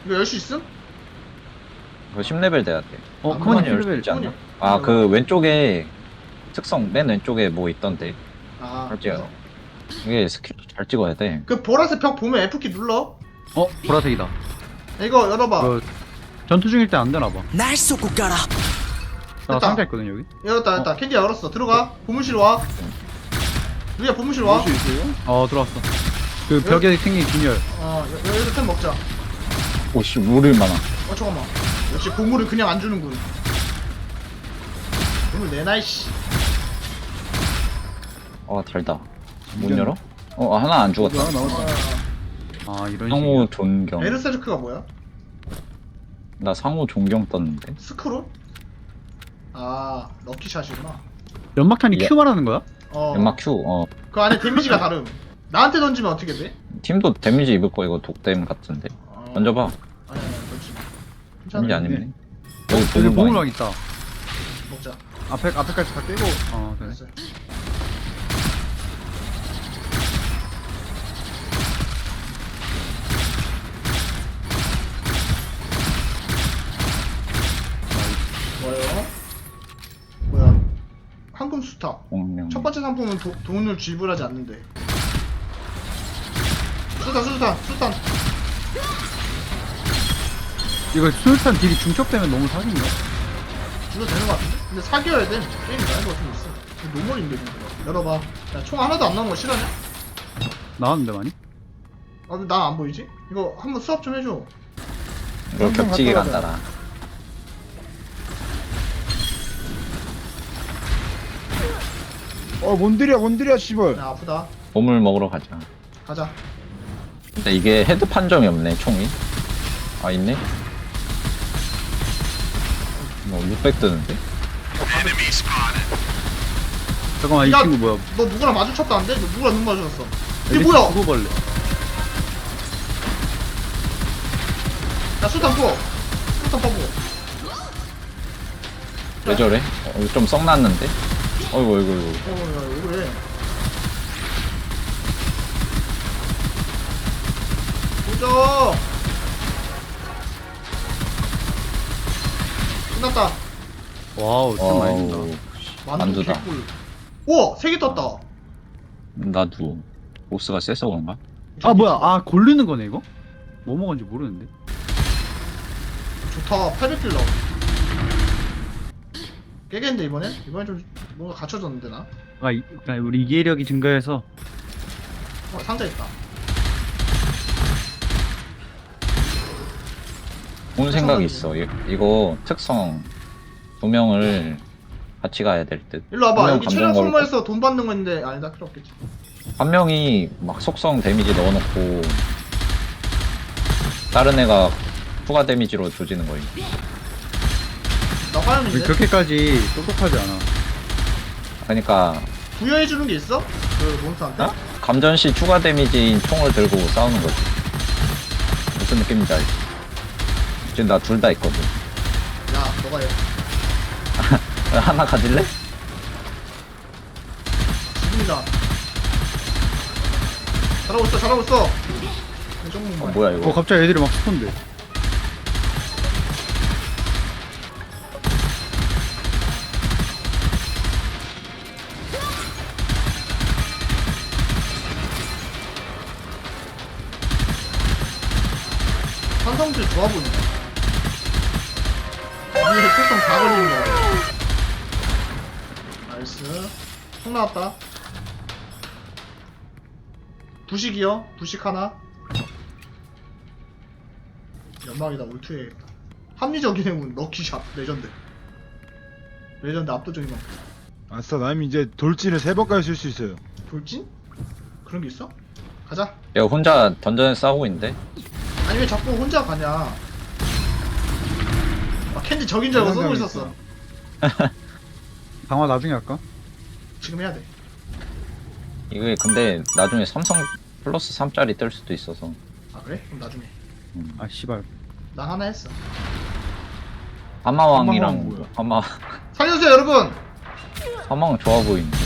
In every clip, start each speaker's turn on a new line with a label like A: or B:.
A: 이거 열 수 있음?
B: 그거 10레벨 돼야 돼.
C: 어,
A: 그만이
C: 크모님
B: 열수
C: 10레벨.
B: 있지 않나?
A: 그만이.
B: 아, 그 왼쪽에 특성 맨 왼쪽에 뭐 있던데.
A: 아,
B: 할지요. 이게 스킬 잘 찍어야 돼.
A: 그 보라색 벽 보면 F키 눌러.
C: 어, 보라색이다.
A: 이거 열어봐.
C: 그 전투 중일 때 안 되나봐.
D: ナイスそこから
C: 나
A: 됐다.
C: 상자 있거든 여기.
A: 열었다. 캔디 열었어. 들어가. 보물실 와. 누야 보물실 와.
C: 어, 들어왔어. 그 벽에 생긴 균열.
A: 여기서 템 먹자.
B: 오씨, 물을 많아.
A: 잠깐만. 역시 보물을 그냥 안 주는군. 보물 내놔 이씨.
B: 달다. 문 열어? 하나 안 죽었다.
C: 하나 나왔다. 아, 이런
B: 상호
C: 식이야.
B: 존경.
A: 베르세르크가 뭐야?
B: 나 상호 존경 떴는데.
A: 스크롤? 아, 럭키샷이구나.
C: 연막탄이
B: 예.
C: Q 말하는 거야?
B: 연막 Q.
A: 그 안에 데미지가 다름. 나한테 던지면 어떻게 돼?
B: 팀도 데미지 입을 거 이거 독댐 같은데. 던져봐.
A: 아니, 던지.
B: 데미지 안
A: 괜찮은데?
B: 입네.
C: 여기
B: 보물 많이-
C: 보물왕 있다.
A: 먹자.
C: 앞에까지 다 깨고. 그래.
A: 됐어. 뭐예요? 뭐야? 황금 수타.
B: 공명.
A: 첫 번째 상품은 돈을 지불하지 않는데. 수탄.
C: 이거 수류탄 딜이 중첩되면 너무 사기인가?
A: 줄도 되는 것 같은데? 근데 사귀어야 돼. 게임 나이가 좀 있어. 노멀인데, 이거. 열어봐. 야, 총 하나도 안 나온 거 싫어하냐?
C: 나왔는데 많이?
A: 난 안 보이지? 이거 한번 수업 좀 해줘.
B: 이거 격지게
A: 갔다
B: 간다라.
E: 뭔들이야 씨발.
A: 야, 아프다.
B: 보물 먹으러 가자.
A: 가자.
B: 근데 이게 헤드 판정이 없네, 총이. 있네? 600 뜨는데?
C: 잠깐만, 이
A: 야,
C: 친구 뭐야?
A: 너 누구랑 마주쳤다는데? 너 누구랑 눈 마주쳤어? 이게
C: 엘리트
A: 뭐야?
C: 구구벌레.
A: 야, 수탄 부어. 수탄 퍼부어.
B: 왜 저래? 이거 좀 썩났는데? 어이구.
A: 야, 왜 그래? 보자. 끝났다.
C: 와우, 참 많이 준다.
B: 어우,
A: 만두
B: 만두다.
A: 개꿀. 우와, 3개 떴다.
B: 나도. 보스가 세서 그런가?
C: 아, 뭐야? 고르는 거네, 이거? 뭐 먹었는지 모르는데.
A: 좋다. 800킬 나오. 깨겠는데 이번엔? 이번엔 좀 뭔가 갖춰졌는데 나?
C: 그러니까 우리 이해력이 증가해서.
A: 상자 있다.
B: 좋은 생각이 있어. 이거 특성 2명을 같이 가야 될 듯.
A: 일로 와봐.
B: 한 명
A: 여기
B: 감정
A: 체력
B: 걸고,
A: 소모해서 돈 받는 건데 아니다 필요 없겠지.
B: 한 명이 막 속성 데미지 넣어놓고 다른 애가 추가 데미지로 조지는 거임.
A: 나 화염인데?
C: 그렇게까지 똑똑하지 않아.
B: 그러니까
A: 부여해주는 게 있어? 그 몬스터한테?
B: 감전 시 추가 데미지인 총을 들고 싸우는 거지. 무슨 느낌인지 알지? 지금 나 둘 다 있거든.
A: 야 너가 해.
B: 하나 가질래?
A: 지금이다. 잘하고 있어. 이 정도면
B: 뭐야 이거?
C: 갑자기 애들이 막 스폰데.
A: 산성질 좋아 보인다. 위에 특성 다 걸리는 거. 나이스. 총 나왔다. 부식이요? 부식 하나. 연막이다. 울투해야겠다. 합리적인 행운 럭키샷 레전드. 레전드 압도적인 거.
E: 아싸, 남 이제 돌진을 3번까지 쓸 수 있어요.
A: 돌진? 그런 게 있어? 가자.
B: 얘가 혼자 던전에 싸우고 있는데?
A: 아니 왜 자꾸 혼자 가냐? 캔디 적인 줄 알고 쏘고 있었어.
C: 강화 나중에 할까?
A: 지금 해야 돼.
B: 이게 근데 나중에 삼성 플러스 3짜리 뜰 수도 있어서.
A: 아 그래? 그럼 나중에.
C: 아, 씨발.
A: 난 하나 했어.
B: 하마왕이랑
E: 하마왕
A: 살려주세요 여러분.
B: 하마왕 좋아 보이는데.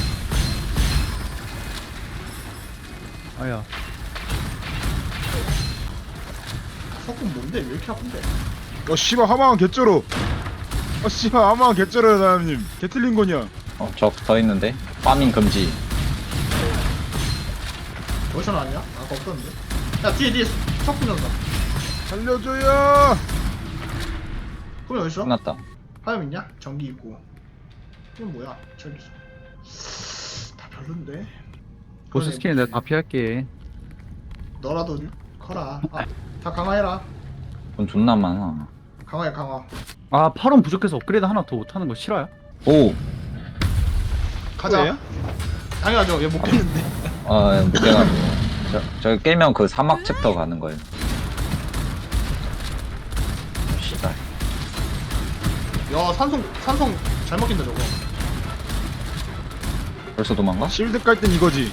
C: 아야.
A: 석군 뭔데? 왜 이렇게 아픈데?
E: 씨발 하마왕 개쩔어. 씨발 하마왕 개쩔어요 나연님. 개 틀린 거냐?
B: 적 더 있는데? 파밍 금지.
A: 어디서 나왔냐? 아까 없었는데. 야 뒤에 석군 온다.
E: 살려줘요.
A: 그럼 어딨어?
B: 끝났다.
A: 화염 있냐? 전기 있고. 이건 뭐야? 저기 있어. 다 별론데.
C: 보스
A: 그러네.
C: 스킨 내가 다 피할게.
A: 너라도 커라. 다 강화해라.
B: 돈 존나 많아.
A: 강화해 강화.
C: 아 8원 부족해서 업그레이드 하나 더 못하는 거 싫어요?
B: 오!
A: 가자.
E: 뭐예요?
A: 당연하죠. 얘 못 깼는데.
B: 내가 저 깨면 그 사막 챕터 가는 거예요. 씨발.
A: 야 산성 잘 먹긴다 저거.
B: 벌써 도망가?
E: 실드 깔 땐 이거지.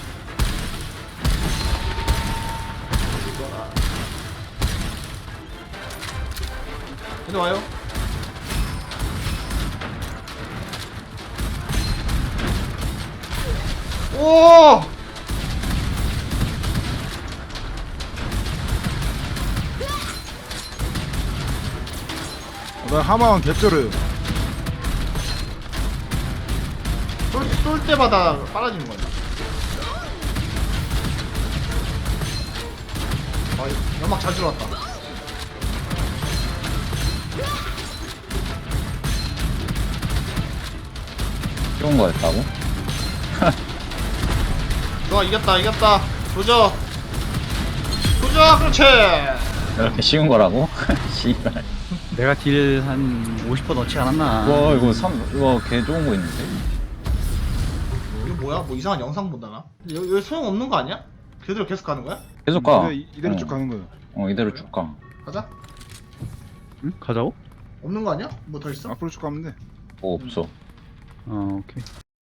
A: 얘들 와요. 오!
E: 나 하마왕 개쩔어요.
A: 쏠 때마다 빨아지는 거야. 연막 잘 들어왔다.
B: 쉬운 거였다고?
A: 좋아 이겼다. 조져. 그렇지.
B: 이렇게 쉬운 거라고? 씨발.
C: 내가 딜 한 50% 넣지 않았나?
B: 와, 이거 개 좋은 거 있는데?
A: 이거 뭐야? 뭐 이상한 영상 본다 나? 여기 소용 없는 거 아니야? 그대로 계속 가는 거야?
B: 계속 가.
E: 이대로 쭉 가는 거예요.
B: 이대로 쭉 가.
A: 가자.
C: 응? 가자고?
A: 없는 거 아니야? 뭐 더 있어?
E: 앞으로 쭉 가면 돼.
B: 뭐 없어.
C: 오케이.